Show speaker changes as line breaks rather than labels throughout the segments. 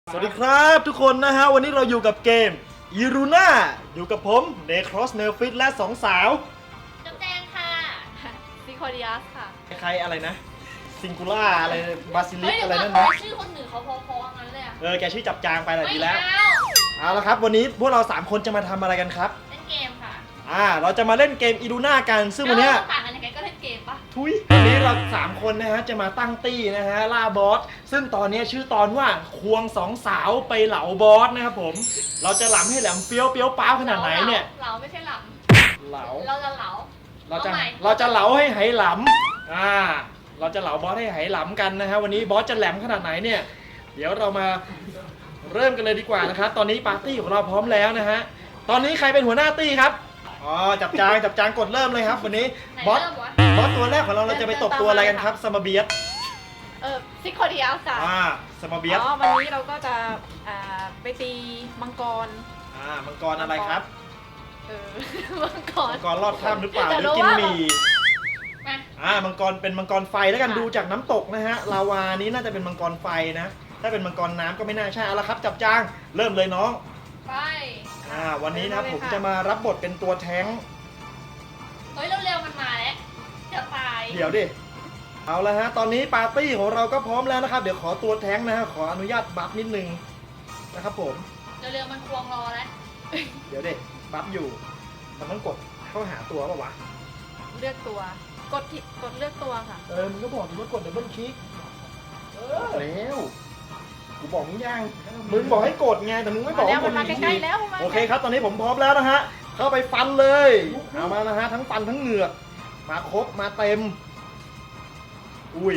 สวัสดีครับทุกคนนะฮะวันนี้เราอยู่กับเกมอีรูน่าอยู่กับผมเนครอสเนลฟิตและสองสาว
จุ๊บแจงค่ะซิโคดิอัสค่ะ
ใครอะไรนะซิงคูล่าอะไรบาซิลิ
เฮ้
ก
ย
อะไรนั่น
นะ
นะ
ชื่อคนอื่นเขาพอๆงั้นเลยอะ
แกชื่อจับจางไปแหละ
ไม่
ดีแล้ว
เอา
เอาละครับวันนี้พวกเรา3คนจะมาทำอะไรกันครับ
เล่นเกมค่ะ
เราจะมาเล่นเกมอีรูน่ากันซึ่งวันเนี้ย
ต่างกันยังไงก็เล่นเกมปะ
ทุยวันนี้เรา3คนนะฮะจะมาตั้งตี้นะฮะล่าบอสซึ่งตอนนี้ชื่อตอนว่าควงสองสาวไปเหลาบอสนะครับผมเราจะหลำให้แหลมเฟี้ยวเปี้ยวป้าวขนาดไหนเนี่ย
เหลาไม่ใช่หล
เหลา
ำเราจะเหลา
เราจะ
เอาใหม่
เหลาให้ไหหลำเราจะเหลาบอสให้ไหหลำกันนะฮะวันนี้บอสจะแหลมขนาดไหนเนี่ยเดี๋ยวเรามาเริ่มกันเลยดีกว่านะครับตอนนี้ปาร์ตี้ของเราพร้อมแล้วนะฮะตอนนี้ใครเป็นหัวหน้าตี้ครับจับจางกดเริ่มเลยครับวันนี้
ไหน
บอส
เริ่มวะ
ตัวแรกของเราจะไปตบตัวอะไรกันครับสมาเบียส
ซิโคดิอัสค่ะ
สมาเบียส
วันนี้เราก็จะไปตีมังกร
มังกรอะไรครับ
มังกร
มังกรรอดข้ามหรือเปล่าห
แต่
รือ
รู้
กิน
ว่า
หมี่
มา
มังกรเป็นมังกรไฟแล้วกันดูจากน้ำตกนะฮะลาวานี้น่าจะเป็นมังกรไฟนะถ้าเป็นมังกรน้ำก็ไม่น่าใช่เอาละครับจับจางเริ่มเลยน้อง
ไป
วันนี้นะครับผมจะมารับบทเป็นตัวแท้ง
เฮ้ยเร็วๆมันมาแล้วจะตาย
เดี๋ยวดิเอาละฮะตอนนี้ปาร์ตี้ของเราก็พร้อมแล้วนะครับเดี๋ยวขอตัวแท้งนะฮะขออนุญาตบัฟนิดนึงนะครับผม
เร็วๆมันควงรอแล้ว
เดี๋ยวดิบัฟอยู่มันต้องกดเข้าหาตัวป่าวะ
เลือกตัว กดเลือกตัวค่ะ
มึงก็บอกดิว่ากดดับเบิลคลิกแล้วกูบอกมึงยังมึงบอกให้กดไงแต่มึงไม่บอก
แล้ว
ว่าก
มั
ด
นมา
อีก
ใกล้
ที
ๆแล้วมา
โอเคครับตอนนี้ผมพร้อมแล้วนะฮะเข้าไปฟันเลยเอามานะฮะทั้งฟันทั้งเหงือกมาครบมาเต็มอุ้ย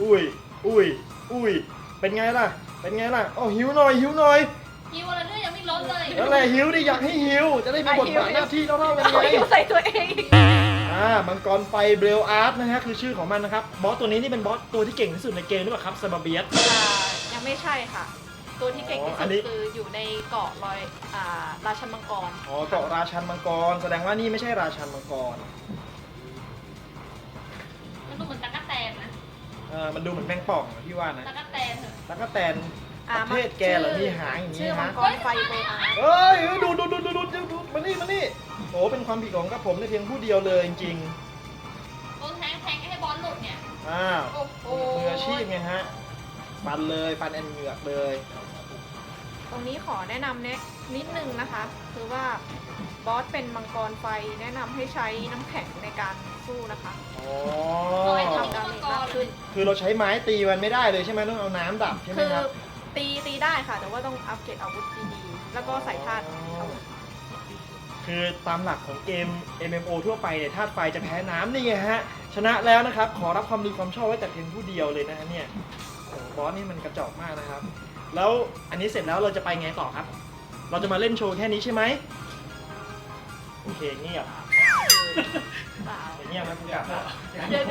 เป็นไงล่ะหิวหน่อย
ฮิวอะไรเรื่องยังไม่ลดเลย
นั่นแหละหิวดิอยากให้หิวจะได้มีบทบาทหน้าที่เท่าๆกัน
เอา
ไง
หิวใส่ตัวเองอีก
มังกรไฟเบลอาร์ตนะฮะคือชื่อของมันนะครับบอสตัวนี้นี่เป็นบอสตัวที่เก่งที่สุดในเกมหรือเปล่าครับซาบาเบียส
ยังไม่ใช่ค่ะ ตัวที่เก่งที่
อั
สุ
น
ด
นี้
คืออยู่ในเกาะลอยราชันมังกร
เกาะราชันมังกรแสดงว่านี่ไม่ใช่ราชันมังกร
มันดูเหมือนตะกั่แตนนะ
มันดูเหมือนแมงป่องอะพี่ว่านะ
ตะกั่แตนเหรอ
แล้วก็แตนประเทศแกเหรอมีหางอย่าง
ชื่
นี้
อมั
ฮะ
งกรไฟเบลอาร์
เอ้ยดูมานี่โอ้เป็นความผิดของกับผมในเพียงผู้เดียวเลยจริง
โดนแทงให้บอลหลุดเนี่ย
ๆ
โอ้โห
มืออาชีพไงฮะฟันแอนเหงือกเลย
ตรงนี้ขอแนะนำนิดนึงนะคะ คือว่าบอสเป็นมังกรไฟแนะนำให้ใช้น้ำแข็งในการสู้นะคะ
ลอยตัว
ทำดา
มั
เม
ง
จ
ก
มาร ก
เล
ขึ้
ย
น
คือเราใช้ไม้ตีมันไม่ได้เลยใช่ไหมต้องเอาน้ำดับใช่ไหม
คือ
ครับ
ตีได้ค่ะ แต่ว่าต้องอัปเกรดอาวุธดีๆ แล้วก็ใส่ธาตุอาวุธ
คือตามหลักของเกม MMO ทั่วไปเนี่ยธาตุไฟจะแพ้น้ำนี่ไงฮะชนะแล้วนะครับขอรับความดีความชอบไว้แต่เพียงผู้เดียวเลยนะฮะเนี่ยโอ้บอสนี่มันกระจอกมากนะครับแล้วอันนี้เสร็จแล้วเราจะไปไงต่อครับ เราจะมาเล่นโชว์แค่นี้ใช่ไหมโอเคเงียบ
เปล่า
เงียบนะกูกลับแล้ว
เดี๋ยว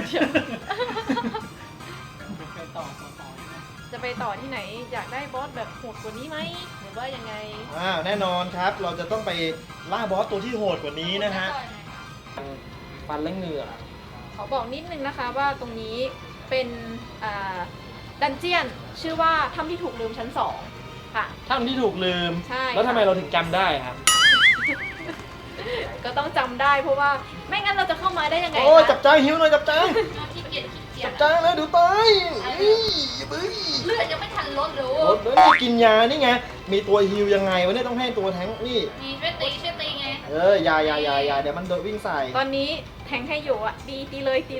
จะไปต่อที่ไหนอยากได้บอสแบบโหดกว่านี้ไหมหรือว่ายังไง
แน่นอนครับเราจะต้องไปล่าบอสตัวที่โหดกว่านี้นะฮะฟันและเหงื่อ
ขอบอกนิดนึงนะคะว่าตรงนี้เป็นดันเจียนชื่อว่าถ้ำที่ถูกลืมชั้น 2 ค่ะ
ถ้ำที่ถูกลืม
ใช่
แล้วทำไมเราถึงจำได้ครับ
ก็ต้องจำได้เพราะว่าไม่งั้นเราจะเข้ามาได้ยังไง
โอ้ย
คะ
จับจ้างหิวหน่อยจับจ้าง
ขี้เกียจ
จับจ้างแล้วเดี๋ยวตายเฮ้ย
เลือดยังไม่ทันลดเลย
รถนี่กินยานี่ไงมีตัวฮิวยังไงวะเนี่ยต้องให้ตัวแทงค์นี่
มีช่วยตีไง
อย่าเดี๋ยวมันโดนวิ่งใส่
ตอนนี้แทงให้อยู่อ่ะตีเลย
ตี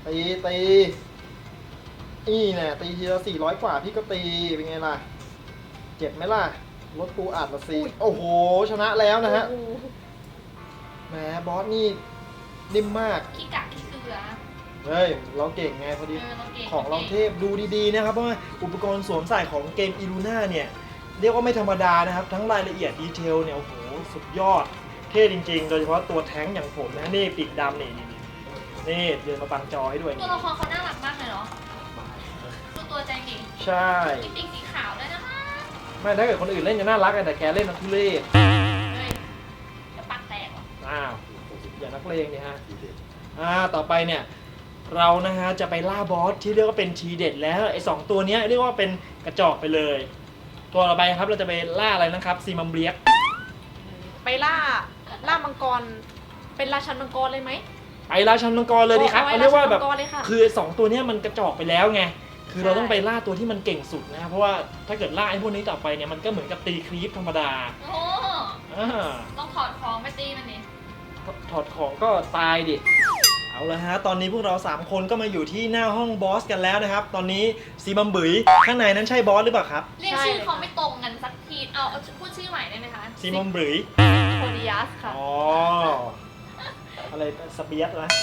นี่แน่ตีทีละ400 กว่าพี่ก็ตีเป็นไงล่ะเจ็บไหมล่ะรถกูอัดละสิโอ้โหชนะแล้วนะฮะ
โอ้โห
แหมบอสนี่นิ่มมาก
ขี้กากขี้เกลือ
เฮ้ยเราเก่งไงพอดี
เราเก่ง
ของเราเทพดูดีๆนะครับเพราะว่าอุปกรณ์สวมใส่ของเกมอีลูน่าเนี่ยเรียกว่าไม่ธรรมดานะครับทั้งรายละเอียดดีเทลเนี่ยโอ้โหสุดยอดเท่จริงๆ โดยเฉพาะตัวแท้งอย่างผมนะนี่ปีกดำนี่เดินมาบังจอให้ด้วย
ตัวละครเขาน่ารักมากเลยเนาะดูตัวใจเก่ง
ใช่
มีปีกสีขาวด้วยนะคะ
ไม่ถ้าเกิดคนอื่นเล่นจะน่ารักแต่แกเล่นนักทุเรศ
เฮ้ยจะปักแตกเหรอ
อ้าวอย่านักเลงนี่ฮะต่อไปเนี่ยเรานะฮะจะไปล่าบอสที่เรียกว่าเป็นทีเด็ดแล้วไอ้2ตัวเนี้ยเรียกว่าเป็นกระจอกไปเลยตัวต่อไปครับเราจะไปล่าอะไรนะครับซีมัมเบลียก
ไปล่ามังกร เป็นราชันมังกรเลยไหม
ไปราชันมังกรเลยดีครับเอาเรียกว่าแบบ
ราชันมังกรเลยค่ะ
คือ2ตัวเนี้ยมันกระจอกไปแล้วไงคือเราต้องไปล่าตัวที่มันเก่งสุดนะครับเพราะว่าถ้าเกิดล่าไอ้พวกนี้ต่อไปเนี่ยมันก็เหมือนกับตีครีปธรรมดา
โอ้
อ่า
ต้องถอดของไปตีมันนี่
ถอดของก็ตายดิเอาละฮะตอนนี้พวกเรา3คนก็มาอยู่ที่หน้าห้องบอสกันแล้วนะครับตอนนี้ซีมัมบุ๋ยข้างในนั้นใช่บอสหรือเปล่าครับ
เรียกชื่อเขาไม่ตรงกันสักทีเอาพูดชื่อใหม่ได้ไหมคะ
ซีมัมบุ๋ย
โคดิยัสค่ะ
อ๋ออะไรสเปียสนะ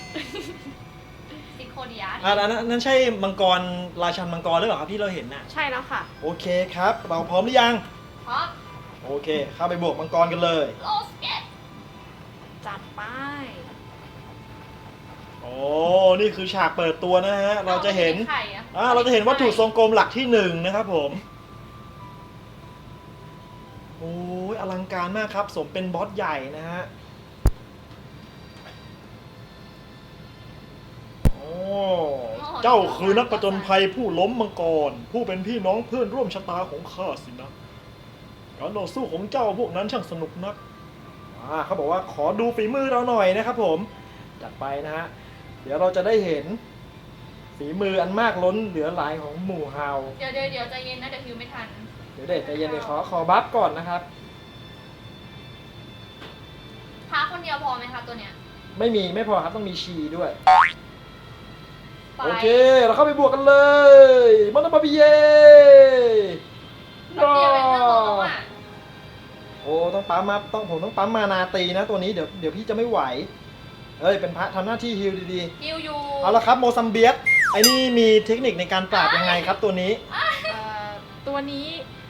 ซิโคเดียส
อันนั้นใช่มังกรราชันมังกรหรือเปล่าครับที่เราเห็นน่ะ
ใช่แล้วค่ะ
โอเคครับเราพร้อมหรือยัง
เพราะ
โอเคเข้าไปบวกมังกรกันเลย
โลสเก็ต
จัดไป
โอ้นี่คือฉากเปิดตัวนะฮะเราจะเห็น
ไข่อะ
เราจะเห็นวัตถุทรงกลมหลักที่1นะครับผมโอ้ยอลังการมากครับสมเป็นบอสใหญ่นะฮะโอ้เจ้าคือนักผจญภัยผู้ล้มมังกรผู้เป็นพี่น้องเพื่อนร่วมชะตาของข้าสินะการต่อสู้ของเจ้าพวกนั้นช่างสนุกนักเขาบอกว่าขอดูฝีมือเราหน่อยนะครับผมจัดไปนะฮะเดี๋ยวเราจะได้เห็นฝีมืออันมากล้นเหลือหลายของหมู่เฮา
เดี๋ยวใจเย็นนะเดี๋ยวฮิวไม่ทัน
เดี๋ยวเด็กใจเย็นเดี๋ยวขอบัฟก่อนนะครับ
พาคนเดียวพอไหมคะตัวเนี้ย
ไม่พอครับต้องมีชีด้วย
ไป
โอเคเราเข้าไปบวกกันเลยมันบาบิเย่
แป๊บเดียวเองเรื่องของอ่ะ
โอ้ต้องปั๊มมาผมต้องปั๊มมานาตีนะตัวนี้เดี๋ยวพี่จะไม่ไหวเอ้ยเป็นพระทำหน้าที่ฮิลดี
ฮิวยู
ๆเอาละครับโมซัมเบียสไอ้นี่มีเทคนิคในการปราบยังไงครับตัวนี้
ตัวนี้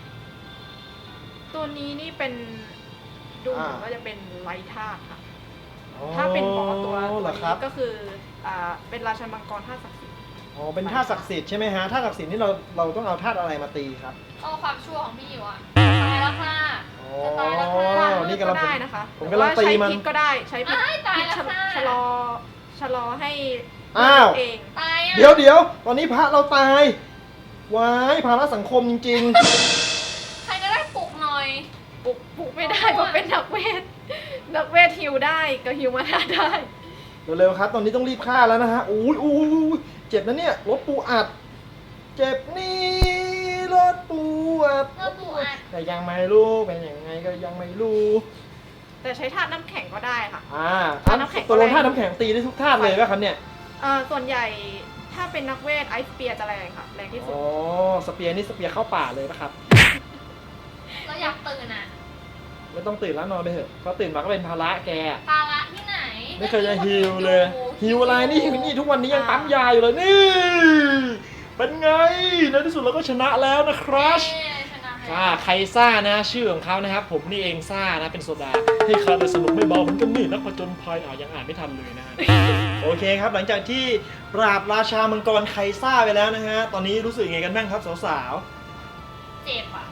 นี่เป็นดูเหมือนว่าจะเป็นไลท์ธาตุค่ะ ถ้าเป็นบอสตัว
เหรอ
นี้
ครับ
ก็คือเป็นราชันมังกรธาตุศักดิ์สิทธิ์
อ๋อเป็นธาตุศักดิ์สิทธิ์ใช่ไหมฮะธาตุศักดิ์สิทธิ์นี่เราต้องเอาธาตุอะไรมาตีครับ
เอาความชั่วของพี่อยู่อ่ะตายแล้วค่ะ
อ๋อ
จะตายแล้วค่ะ
นี่กำลัง
ได้นะคะ
ผมกำลังตีมัน
หรือว่าใช้พิษก็ได้ใช้พิษ
ตาย
พิษ
แล้วค่ะ
ชะลอให้
อ้าว
เอง
ตายอ่ะ
เดี๋ยวตอนนี้พระเราตายวายภาระสังคมจริง
ใครก็ได้ปลุกหน่อย
ปลุกไม่ได้เพราะเป็นนักเวทฮิวได้ก็ฮิวมานาได้
ๆ เร็วๆครับ ตอนนี้ต้องรีบฆ่าแล้วนะฮะอุ้ยเจ็บนะเนี่ยรถปูอัด เจ็บนี่รถปูอัด
รถปูอัด
แต่ยังไม่รู้เป็นยังไงก็ยังไม่รู้
แต่ใช้ธาตุน้ำแข็งก็ได้ค่ะ
ธาตุ
น้ำแข็ง
ตัวลงธาตุน้ำแข็งตีได้ทุกธาตุเลยป่ะครับเนี่ย
ส่วนใหญ่ถ้าเป็นนักเวทไอซ์เปียร์จะแรงค่ะแรงที่สุด
อ๋อสเปียร์นี่สเปียร์เข้าป่าเลยป่ะครับ
เราอยากตื่นอ่ะ
ไม่ต้องตื่นแล้วนอนไปเถอะเพราะตื่นมาก็เป็นภาระแก
ภาระที่ไหน
ไม่เคยจะฮิวเลยฮิวอะไรนี่ทุกวันนี้ยังปั๊มยาอยู่เลยนี่ เป็นไงในที่สุดเราก็ชนะแล้วนะครัช
เย้ชนะแล้ว
ใครซ่านะชื่อของเขานะครับ ผมนี่เองซ่านะเป็นโซดาให้ข้าได้สนุกไม่เบาเหมือนกันนี่นักผจญภัยยังอ่านไม่ทันเลยนะฮะ โอเคครับหลังจากที่ปราบราชามังกรไคซ่าไปแล้วนะฮะตอนนี้รู้สึกยังไงกันบ้างครับสาว
เจ็บอ่ะ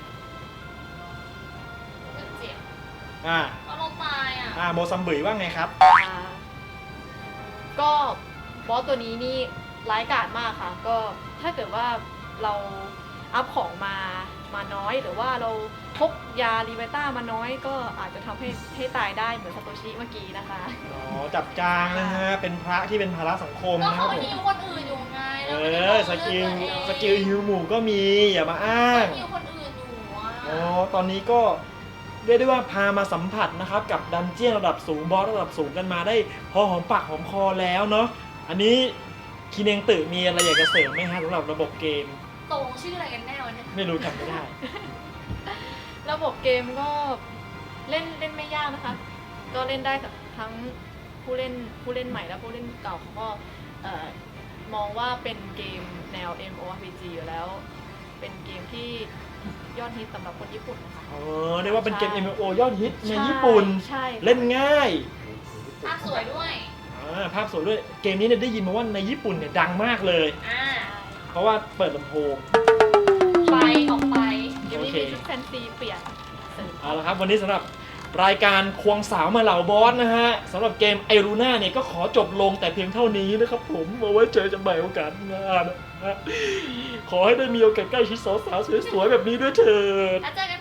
เจ็บ
ๆอ่า
เพราะเราตายอ่ะ
โมซัมบุ๋ยว่าไงครับ
ก็บอสตัวนี้นี่ร้ายกาจมากค่ะ ก็ถ้าเกิดว่าเราอัพของมาน้อยหรือว่าเราพกยาลีเวต้ามาน้อยก็อาจจะทำให้ตายได้เหมือนซาโตชิเมื่อกี้นะคะ
อ๋อจับจางนะฮะเป็นพระที่เป็นภาระสังคม
แล้ว
นะครับ
เขา
ผม
ฮิวคนอื่นอยู่ไงแล้ว
สกิลฮิวหมู่ก็มีอย่ามาอ้าง
ฮิวคนอื่นอยู่อ่ะ
อ๋อตอนนี้ก็เรียกได้ว่าพามาสัมผัสนะครับกับดันเจี้ยนระดับสูงบอสระดับสูงกันมาได้พอหอมปากหอมคอแล้วเนาะอันนี้คินเองตื่มีอะไรอยากจะเสริมไหมฮะสำหรับระบบเกม
ตรงชื่ออะไรกันแน่วะเนี่ย
ไม่รู้จำไม่ได้
ระบบเกมก็เล่นไม่ยากนะคะ ก็เล่นได้กับทั้งผู้เล่นใหม่และผู้เล่นเก่าเขาก็มองว่าเป็นเกมแนว MMORPG อยู่แล้ว เป็นเกมที่ยอดฮิตสำหรับคนญี่ปุ่นนะคะ
เรียกว่าเป็นเกม MMO ยอดฮิตในญี่ปุ่น
ใช่
เล่นง่าย
ภาพสวยด้วย
ภาพสวยด้วยเกมนี้เนี่ยได้ยินมาว่าในญี่ปุ่นเนี่ยดังมากเลย เพราะว่าเปิดลำโพง
ไปออกไป
เดี๋ยวนี้มีชุดแฟนซีเปลี่ยนเสริม
เอาละครับวันนี้สำหรับรายการควงสาวมาเหล่าบอสนะฮะสำหรับเกมไอรูน่าเนี่ยก็ขอจบลงแต่เพียงเท่านี้นะครับผมเอาไว้เจอกันใหม่โอกาสหน้านะฮะขอให้ได้มีโอกาสใกล้ชิดสาวๆสวยๆแบบนี้ด้วยเถิด
แล้วเจอกัน